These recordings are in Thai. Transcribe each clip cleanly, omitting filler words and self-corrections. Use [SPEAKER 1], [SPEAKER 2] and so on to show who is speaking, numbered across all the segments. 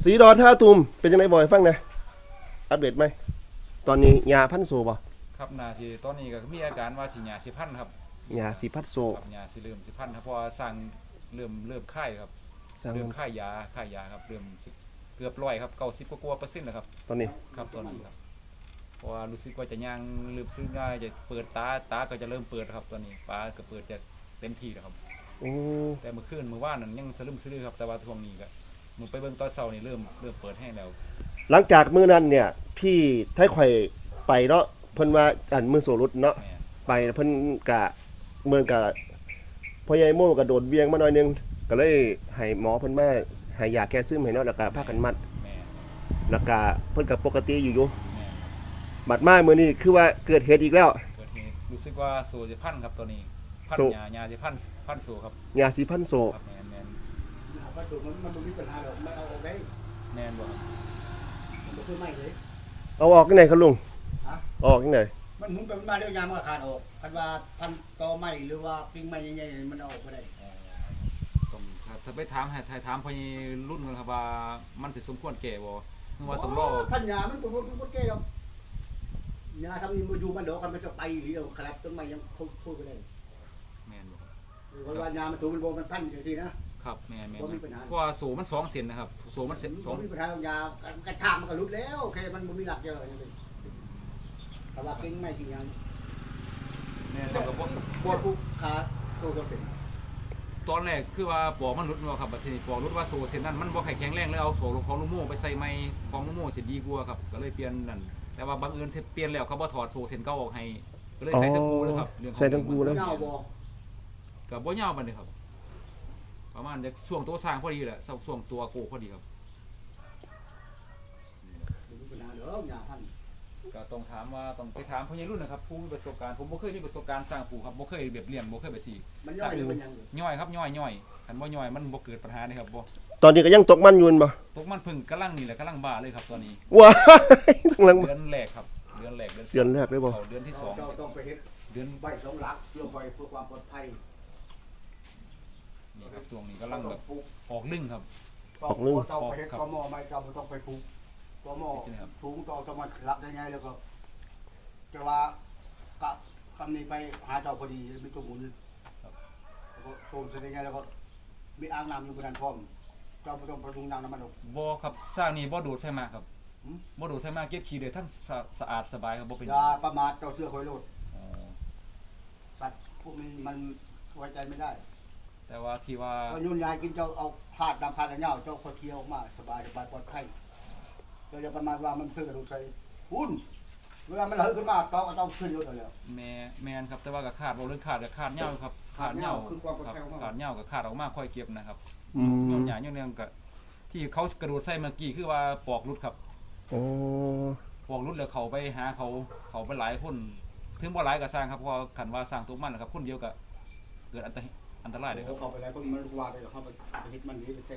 [SPEAKER 1] สีดอนท่าตุ่มเป็นยังไงบ่อยฟังนะอัปเดตไหมตอนนี้ยาพันโซบ่
[SPEAKER 2] ครับนาสิตอนนี้ก็มีอาการว่าสิหยาสิพันครับ
[SPEAKER 1] ยาสีพันโซ
[SPEAKER 2] ครับหยาสิเริ่มสิพันครับเพราะว่าสั่งเริ่มไข้ครับเริ่มไข้ยาครับเริ่มเกือบ100ครับ90กว่า%แล้วครับ
[SPEAKER 1] ตอนนี้
[SPEAKER 2] ครับตอนนี้ครับเพราะว่ารู้สึกว่าจะย่างลืมซื้อง่ายจะเปิดตาก็จะเริ่มเปิดครับตอนนี้ปลาก็เปิดจะเต็มที่แล้วครับแต่เมื่อคืนเมื่อวานนั้นยังสลืมซื้อครับแต่ว่าช่วงนี้ก็มึงไปเบิ่งตอนเช้านี่เริ่มเปิดให้แล้ว
[SPEAKER 1] หลังจากมื้อนั้นเนี่ยพี่ไทยไข่ไปเนาะเพิ่นว่าอันมือโซรุดเนาะไปเพิ่นกะเมืองกะพ่อใหญ่โม่กระโดดเวียงมาหน่อยนึงก็เลยให้หมอเพิ่นมาให้ยาแก้ซึมให้เนาะแล้วก็พากันมัดแล้วก็เพิ่นก็ปกติอยู่บัดมามื้อนี้คือว่าเกิดเหตุอีกแล้ว
[SPEAKER 2] เกิดเหตุรู้สึกว่าโซจะพันครับตัวนี้พันยาจะพันโซครับ
[SPEAKER 1] ยาสีพันโซ
[SPEAKER 2] ครับแม่น
[SPEAKER 3] วัตถุมันมีปัญหาหรอกไม่เอาออกได้
[SPEAKER 2] แม่นบ่
[SPEAKER 3] มันคือไม่เลย
[SPEAKER 1] เอาออกที่ไหนครับลุงออกที่ไหน
[SPEAKER 3] มันหมุนไปมันมาเดี๋ยวยามมันขาดออกคันว่าพันตอไม้หรือว่าปิ้งไม้ใหญ่ๆมันออกไปได้
[SPEAKER 2] ต้องถ้าไปถามพอรุ่นกันครับว่ามันสิสมควรแก่บ่ว่าต้องรอ
[SPEAKER 3] พันยามันบ่แก่หรอกยาทำนี่มาอยู่มันดอกกันมันจะไปหรือเอาคลับต้นไม้ยังพูดไปได้
[SPEAKER 2] แม่นบ่
[SPEAKER 3] เพราะว่ายามันถูมันบ่มันพันจังซี่นะครับ
[SPEAKER 2] แม่นเพราะว่าโซมัน2เซนนะครับโซมัน
[SPEAKER 3] 2มีปัญหายากระชากมันก็หลุดแล้วโอเคมันบ่มีหลักเยอะจังซี่แต่ว่าปิ้งไม้ที่ยัง
[SPEAKER 2] แม่นแล้วก็
[SPEAKER 3] บ่ปุ๊บขาโตก็เป็น
[SPEAKER 2] ตอนแรกคือว่าปอกมันหลุดบ่ครับบัดนี้ปอกหลุดว่าโซเส้นนั้นมันบ่แข็งแรงเลยเอาโซของลูกโม่ไปใส่ไม้ของลูกโม่จะดีกว่าครับก็เลยเปลี่ยนนั่นแต่ว่าบางเอิญเปลี่ยนแล้วเขาบ่ถอดโซเส้นเก่าออกให้ก็เลยใส่ทั้งคู่เลยครับ
[SPEAKER 1] ใส่ทั้งคู่แล้ว
[SPEAKER 2] ก็บ่ยาวปานนี้ครับประมาณจะช่วงตัวสร้างพอดีแหละช่วงตัวโกพอดีครับก็ต้องถามว่าต้องไปถามพ่อใหญ่รุ่นนะครับผู้มีประสบการณ์ผมบ่เคยมีประสบการณ์สร้างปูครับบ่เคยแบบเลี้ยงบ่เคยแบบสิ
[SPEAKER 3] มันย่อยหรือมันยัง
[SPEAKER 2] ย่อยครับย่อยคันบ่ย่อยมันบ่เกิดปัญหานี่ครับบ่
[SPEAKER 1] ตอนนี้ก็ยังตกมันอยู่บ่
[SPEAKER 2] ตกมันพึ่งกำลังนี่แหละกำลังบ้าเลยครับตอนนี้
[SPEAKER 1] ว้ายกำลัง
[SPEAKER 2] เดือนแรกครับเดือนแรก
[SPEAKER 1] เลยบ่
[SPEAKER 2] เดือนที่2
[SPEAKER 3] ต้องไปเฮ็ดเดือนใบ2หลักเพื่อความปลอดภัย
[SPEAKER 2] นี่ครับช่วงนี้กำลังแบบออกลึ่งครับ
[SPEAKER 1] ออกลึ่ง
[SPEAKER 3] ต้องไปเฮ็ดกมไม่ต้องไปปลูกกมสูงต้องมันรับได้ไงแล้วก็แต่ว่ากับคำนี้ไปหาเจ้าพอดีมีตัวหมุนแล้วก็โซมแสดงไงแล้วก็มีอ่างน้ำอยู่บนนั้นพร้อมเจ้าต้องประดุงน้ำมันออก
[SPEAKER 2] บ่ครับสร้างนี่บ่ดูดใส่มาครับบ่ดูดใส่มาเก็บขี้ได้ทั้งสะอาดสบายครับบ่เป็น
[SPEAKER 3] อย่าประมาทเจ้าเสื้อคอยโลดสัตว์พวกนี้มันไว้ใจไม่ได้
[SPEAKER 2] แต่ว่าที่ว่า
[SPEAKER 3] ยุ่นยายกินเจ้าเอาพาดดำพาดอันเงาเจ้าคอยเคี้ยวออกมาสบายปลอดภัยเจ้าอย่าประมาทว่ามันเพื่อกระดูกใส่หุ่นเวลามันเหลือขึ้นมาต้องขึ้นเยอะเลย
[SPEAKER 2] แมนครับแต่ว่ากับขาดเราเรื่องขาดกับขาดเหย้าครับขาดเหย้าขาดเหย้ากับขาดออกมาค่อยเก็บนะครับย้อนหยาย้อนเนื่องกับที่เขากระโดดใส่เมื่อกี้คือว่าปอกรุดครับปอกรุดแล้วเขาไปหาเขาไปหลายคนถึงว่าหลายกับสร้างครับเพราะขันว่าสร้างตัวมันนะครับคนเดียวกับเกิดอันตรายเลยครับ
[SPEAKER 3] เขาไปหลายคนมันว่าเลยเขาไปฮิตมันนี้ไปแทง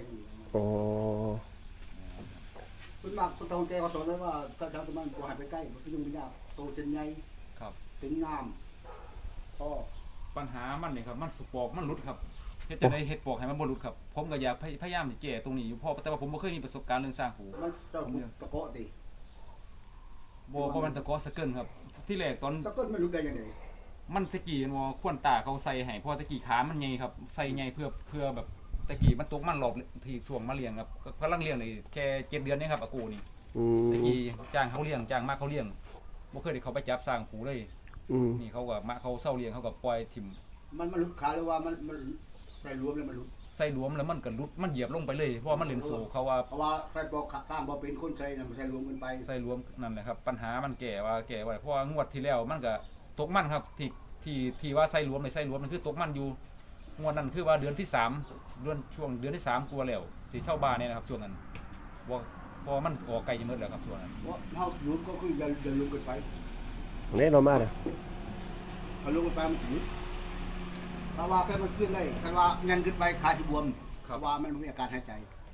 [SPEAKER 3] คุณมากคนตรงใจเขาสอนไว้ว่าถ้าชาวตะมันตัวหายไปใกล้มันก็ยุ่งไม่ยากโตเส้นใหญ่
[SPEAKER 2] ครับ
[SPEAKER 3] ถึงงามก็
[SPEAKER 2] ปัญหามันเนี่ยครับมันสุปอกมันรุดครับจะได้เห็ดปอกให้มันบรุษครับผมก็อยากพยายามแก้ตรงนี้อยู่เพราะแต่ว่าผมไม่เคยมีประสบการณ์เรื่องสร้างหู
[SPEAKER 3] มันเจ้าตะโกะตี
[SPEAKER 2] เพราะมันตะโกะสเกิลครับที่แรกตอน
[SPEAKER 3] สเกิลไม่รู้ได้ยังไง
[SPEAKER 2] มันตะกี้มันขวนตาเขาใส่ให้เพราะตะกี้ขามันใหญ่ครับใส่ใหญ่เพื่อแบบตะกี้มันตกมันหลบที่ช่วงมาเลี้ยงครับกำลังเลี้ยงเลยแค่7 เดือนนี่ครับอากูนี่ตะกี้จ้างเขาเลี้ยงจ้างมากเขาเลี้ยงไม่เคยได้เขาไปจับสร้างหูเลยนี่เขากับมาเขาเศร้าเลี้ยงเขากับปล่อยถิ่ม
[SPEAKER 3] มันลุกขาหรือว่ามันใส่รวมเลยมันลุก
[SPEAKER 2] ใส่รวมแล้วมันก็ลุดมันเหยียบลงไปเลยเพราะมันเล่นโซ่เขาว่า
[SPEAKER 3] ใส่บอกข้างบอกเป็นคนใส่เนี่ยมันใส่รวมกันไป
[SPEAKER 2] ใส่รวมนั่นแหละครับปัญหามันแก่ไว้เพราะงวดที่แล้วมันก็ตกมันครับที่ว่าใส่รวมในใส่รวมมันคือตกมันอยู่งวดนั้นคือว่าเดือนที่3ช่วงเดือนที่3กลัวแล้วสีเศร้าบาเนี่ยนะครับช่วงนั้นพอมันออกไกลจะมืดแล้วครับช่วงนั้น
[SPEAKER 3] ว่าเขาลุกก็คืออย่าลุกกันไป
[SPEAKER 1] เนี่ยเรามาเลย
[SPEAKER 3] เขาลุกกันไปมันถึงเพราะว่าแค่มันขึ้นได้แค่ว่าเงินขึ้นไปขาที่บวมเพราะว่ามันมีอาการหายใจ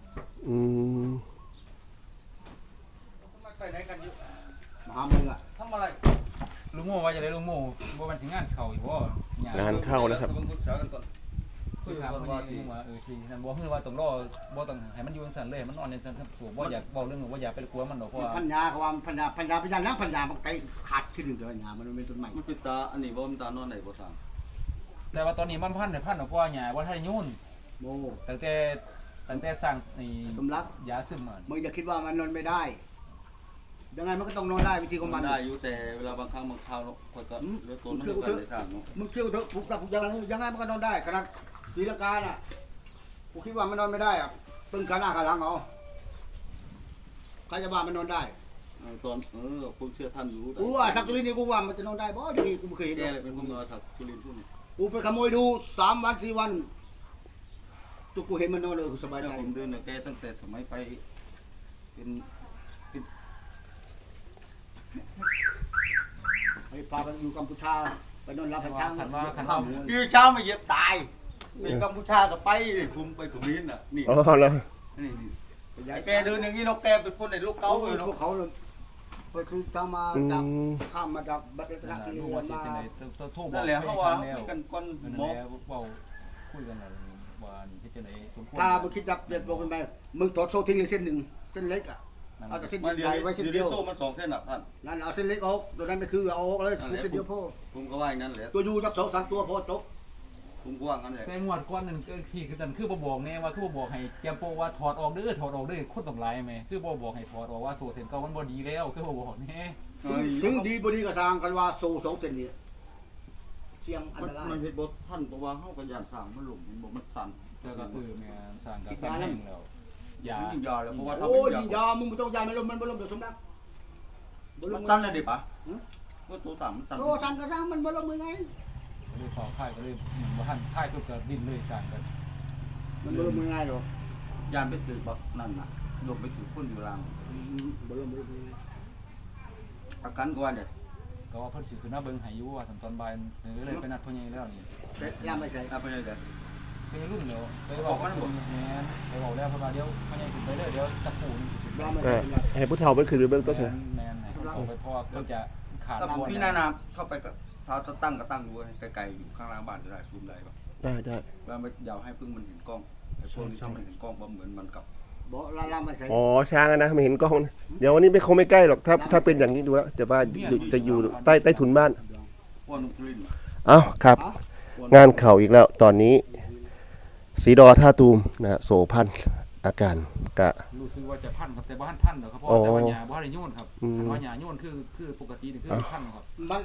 [SPEAKER 3] ไปไหนกันอยู่มหาเมืองอะทำอะไร
[SPEAKER 2] ลุงโม่ว่าจะได้ลุงโม่ว่ามันสิงานเข่าอยู่ว่
[SPEAKER 1] งานเข้าแล้วครับ
[SPEAKER 2] คุยคือถามว่าสิว่าสินั่นบ่คือว่าต้องรอบ่ต้องให้มันอยู่จังซั่นเลยมันนอนจังซั่นครับสูบ่อยากเว้าเรื่องว่าอย่าไปกลัวมันดอกเพราะว่า
[SPEAKER 3] พันยาเขาว่าพันยานักพันยามันไกลขาดที่หนึ่งเดียวพันยามันเป็นต้นใหม่
[SPEAKER 4] มันเป็นตาอันนี้บ่มันตานอนไหนบ่ทาง
[SPEAKER 2] แต่ว่าตอนนี้มันพันออกว่าหญ้าบ่ทันยุ่น
[SPEAKER 3] โม
[SPEAKER 2] ตั้งแต่สร้างนี่
[SPEAKER 3] สมรัก
[SPEAKER 2] ยาซึมมา
[SPEAKER 3] มึงอย่าคิดว่ามันนอนไม่ได้ยังไงมันก็ต้องนอนได้วิธีของมัน
[SPEAKER 4] ได้อยู่แต่เวลาบางครั้งบางคราวค่อยก็เหลือตัวมันก็ได้สร้างเนาะ
[SPEAKER 3] มึงเที่ยวเถอะปลุกตับปลุกยังไงมันก็นอนได้ขนาดตีลังกาน่ะกูคิดว่ามันนอนไม่ได้อะตึงขาหน้าขาหลังเอาใครจะว่ามันนอนได้
[SPEAKER 4] ตอนผมเชื่อท่านอยู่
[SPEAKER 3] กูว่าสักตุลินนี่กูว่ามันจะนอนได้บ่ดีกูไม่เคยเห็น
[SPEAKER 4] แกเลยเป็นคนนอนสักจุลินพวกนี้
[SPEAKER 3] กูไปขโมยดู3 วัน 4 วันตุกกูเห็นมันนอนเลยกูสบายใจ
[SPEAKER 4] ผมเดินแกตั้งแต่สมัยไปเป็น
[SPEAKER 3] ไปพาไปอยู่กัมพูชาไปนอนรับไปช้าง
[SPEAKER 2] คันว่าคัน
[SPEAKER 3] ข้า
[SPEAKER 2] ว่าว
[SPEAKER 4] ยืนเช้ามาเหยียบตายไปกัมพูชาก็ไปคุมไปถุงลิ้นน่ะนี่
[SPEAKER 1] อ๋อแล้ว
[SPEAKER 4] นี่ไอ้แกเดินอย่างนี้นกแกเป็นคนในลูก
[SPEAKER 3] เขา
[SPEAKER 4] เก้าเลย
[SPEAKER 3] พวก
[SPEAKER 4] เนาะ
[SPEAKER 3] เขาเลยไปคือทางมาจากข้ามมาจากบัตรรัตน
[SPEAKER 2] ลูกว่าสิจังได๋โทรบอก
[SPEAKER 4] นั่นแหละเขาว่ามีกันก้อน
[SPEAKER 2] นั่น
[SPEAKER 4] หมอ
[SPEAKER 2] แหละเว้าคุยกันแล้วว่านี่เฮ็ดจังได๋สมควร
[SPEAKER 3] ถ้ามึงคิดจับเด็ดบอกกันไปมึงถอดโซ่ทิ้งเลยเส้นหนึ่งเส้นเล็กอ่ะเอาแต่เส้น
[SPEAKER 4] มาเดีย
[SPEAKER 3] ให
[SPEAKER 4] ว
[SPEAKER 3] ญ่ไว้เส้น
[SPEAKER 4] เดี
[SPEAKER 3] เดี
[SPEAKER 4] ย
[SPEAKER 3] ยว ว
[SPEAKER 4] โซ่มัน2เส้นอ่ะท่าน
[SPEAKER 3] นั่นเอาเส้นเล็กออกตัวนั้นไปคือเอาออกเลยเส้นเดียวพ่อ
[SPEAKER 4] ผมก็ว่าอย่างนั้นแหละ
[SPEAKER 3] ตัวยูจัก2-3ตัวพอจบ
[SPEAKER 4] ผมก็ว่างั้นแหละ
[SPEAKER 2] แต่งวดก่อนนั่นก็ที่คือนั่นคือบ่บอกแน่ว่าคือบ่บอกให้แจมโปว่าถอดออกเด้อคนต้องหลายแม่คือบ่บอกให้ถอดออกว่าโซเซนเก่ามันบ่ดีแล้วคือบ่บอกแน่
[SPEAKER 3] ถึงดีบ่ดีก็ทางกันว่าโซ่2เส้นนี้เสี่ยงอัน
[SPEAKER 4] มัน
[SPEAKER 3] ตราย
[SPEAKER 4] มันเฮ็ดบ่ท่านเพราะว่าเฮาก็ย่านสร้างมันหลงมันบ่มันสั่น
[SPEAKER 2] แต่ก็แม่สร้างก็สร้างแห้งแล้วยา
[SPEAKER 4] ยิ่งยาแล้วเพราะว่าถ้า
[SPEAKER 3] โอ้ย
[SPEAKER 4] เป็น
[SPEAKER 3] ยิงยามึงไม่ต้องยาไม่ลมมันบ่ลมเดี๋ยวสมรัก
[SPEAKER 4] มันสั่นเลยดิปะว่าตัวสามมันสั่น
[SPEAKER 3] โตสั่นก็สั่งมันบ่ลมยังไง
[SPEAKER 2] ก็เลยสอบค่ายก็เลยบ่ทันค่ายก็ดิ้นเลยสร้างกัน
[SPEAKER 3] มันบ่ลมยังไงหรอก
[SPEAKER 4] ยานไปถือบักนั่นน่ะยกไปถือคนอยู่ล่าง
[SPEAKER 3] บ่ลมยังไง
[SPEAKER 4] อาการก็ว่าเนี่ย
[SPEAKER 2] ก็ว่าเพิ่นสิขึ้นมาเบิ่งให้อยู่ว่าตอนบ่ายเลยไปนัดพ่อใหญ่แล้วนี่
[SPEAKER 3] ยามไม่ใส่
[SPEAKER 4] เอาไปเลยเด้อ
[SPEAKER 2] เป็นรุ่นเดียวไปบอกมันบ่แม่นไปบอกแล้วเพราะว่าเดี๋ยวพ่อใหญ่ขึ้นไปเลยเดี๋ยวจับปูนี่สิ
[SPEAKER 3] ยามไม่
[SPEAKER 1] ก็
[SPEAKER 3] ใส่
[SPEAKER 1] ให้ผู้เฒ่าเพิ่นขึ้นไปเบิ่งตัวซะ
[SPEAKER 2] แม่นให้เขาไปเพราะว่าเพิ่นจะขาด
[SPEAKER 4] ถ้า
[SPEAKER 2] บ่
[SPEAKER 4] พี่นานาเข้าไปก็ถ้าตั้งก็ตั้งดูไกลๆอยู่ข้างล่างบ้านจะได้ซูมได้ป่ะ
[SPEAKER 1] ได้
[SPEAKER 4] ว่าไม่อยากให้พึ่งมันเห็นกล้องไอ้พวกนี้ถ้ามันเห็นกล้องบ่เหมือนมันกับ
[SPEAKER 3] บ่ลามไม่ใส่
[SPEAKER 1] อ๋อช้างอะนะไม่เห็นกล้องนะเดี๋ยววันนี้คงไม่ใกล้หรอกถ้าเป็นอย่างนี้ดูแล้วแต่ว่าจะอยู่ใต้ถุนบ้าน
[SPEAKER 4] พวกนุ่มทุลิน
[SPEAKER 1] เอ้าครับ งานเข่าอีกแล้วตอนนี้สีดอท่าตูมนะโสพันอาการกะ
[SPEAKER 2] รู้สึกว่าจะพันครับแต่บ่ทันพันดอกครับเพราะแต่ว่าหญ้าบ่ได้โยนครับคันว่าหญ้าโยนคือปกตินี่คือพันครับ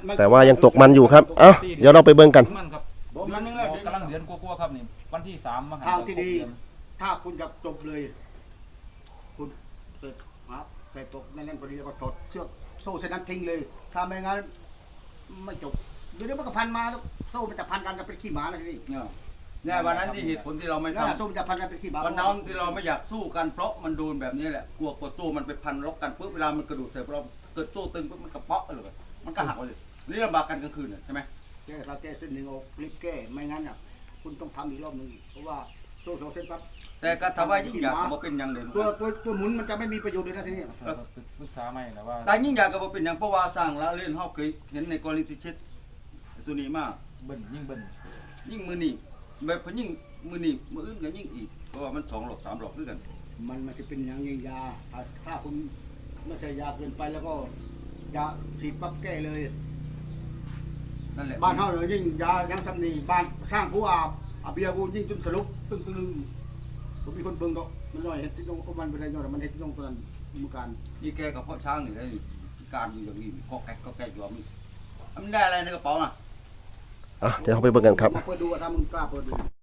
[SPEAKER 1] แต่ว่ายังตกมันอยู่ครับเอ้าเดี๋ยวเราไปเบิ่งกัน
[SPEAKER 2] มันครับ
[SPEAKER 3] บ่มันนึงแล้ว
[SPEAKER 2] กำลังเดือนกว่าๆครับนี่วันที่3มาหา
[SPEAKER 3] ทางที่ดี ถ้าคุณจะจบเลย คุณเสร็จครับใส่ตกนั่นพอดีแล้วก็ถอดเชือกโซ่เส้นนั้นทิ้งเลย ถ้าไม่งั้นไม่จบเดี๋ยวมันก็พันมาแล้วโซ่มันจะพันกันจะเป็นขี้หมานะทีนี้
[SPEAKER 4] เนี่ยวันนั้นที่เหตุผลที่เราไม่
[SPEAKER 3] นั่นแหละ
[SPEAKER 4] ทำ
[SPEAKER 3] โซ่มันจะพันกันเป็นขี้หมา
[SPEAKER 4] วันนั้นที่เราไม่อยากสู้กันเพราะมันโดนแบบนี้แหละกลัวกดตู้มันไปพันล็อกกันปุ๊บเวลามันกระโดดเสร็จเราเกิดตู้ตึงปุ๊บมันกระเปาะเลยมันก็หักไปเลยนี่ลำบากกันกลางคืนใช่ไหม
[SPEAKER 3] แก้เราแก้เส้นหนึ่งออกรีบแก้ไม่งั้นอ่ะคุณต้องทำอีกรอบหนึงเพราะว่าโซ่2เส้นปั๊บ
[SPEAKER 4] แต่ก็ทำว่ายิ่งอยากก็เป็นอย่างเด่น
[SPEAKER 3] ตัวหมุนมันจะไม่มีประโยชน์เลยนะทีนี้
[SPEAKER 2] ก็ปรึกษาใหม่แล้วว่า
[SPEAKER 4] แต่ยิ่งอยากก็เป็นอย่างเพราะว่าสร้างละเล่นเฮาเคยเห็นในกรณีที่เช็ดตัวนี้มาก
[SPEAKER 2] เบิ่นยิ่งเบิ่น
[SPEAKER 4] ยิ่งมือนี่แบบยิ่งมือนี่มืออื่นก็ยิ่งอีกเพราะว่ามัน2 หลอก 3 หลอกด้วยกัน
[SPEAKER 3] มันจะเป็นอย่างยิงยาถ้าคุณไม่ใช่ยาเกินไปแล้วก็ยาฉีดปั๊บแก้เลย
[SPEAKER 4] นั่นแหละ
[SPEAKER 3] บ้านเฮาเนี่ยยิ่งยายังสำนีบ้านสร้างผู้อาเบียกูยิ่งจนสรุปตึ้งผมมีคนเบิ่งก็มันย่อยเฮ็ดที่ตรงมันบ่ได้ย่อยมันเฮ็ดที่ตรงตอนนั้นมือการ
[SPEAKER 4] นี่แกกับพ่อช้างนี่ได้การอยู่อย่างนี้ก็แกอยู่มันได้อะไรในกระเป๋าอ่ะ
[SPEAKER 1] เดี๋ยวเราไปเบิ่งกันครับ
[SPEAKER 3] มาเปิดดูว่าถ้ามึงกล้าเปิดดู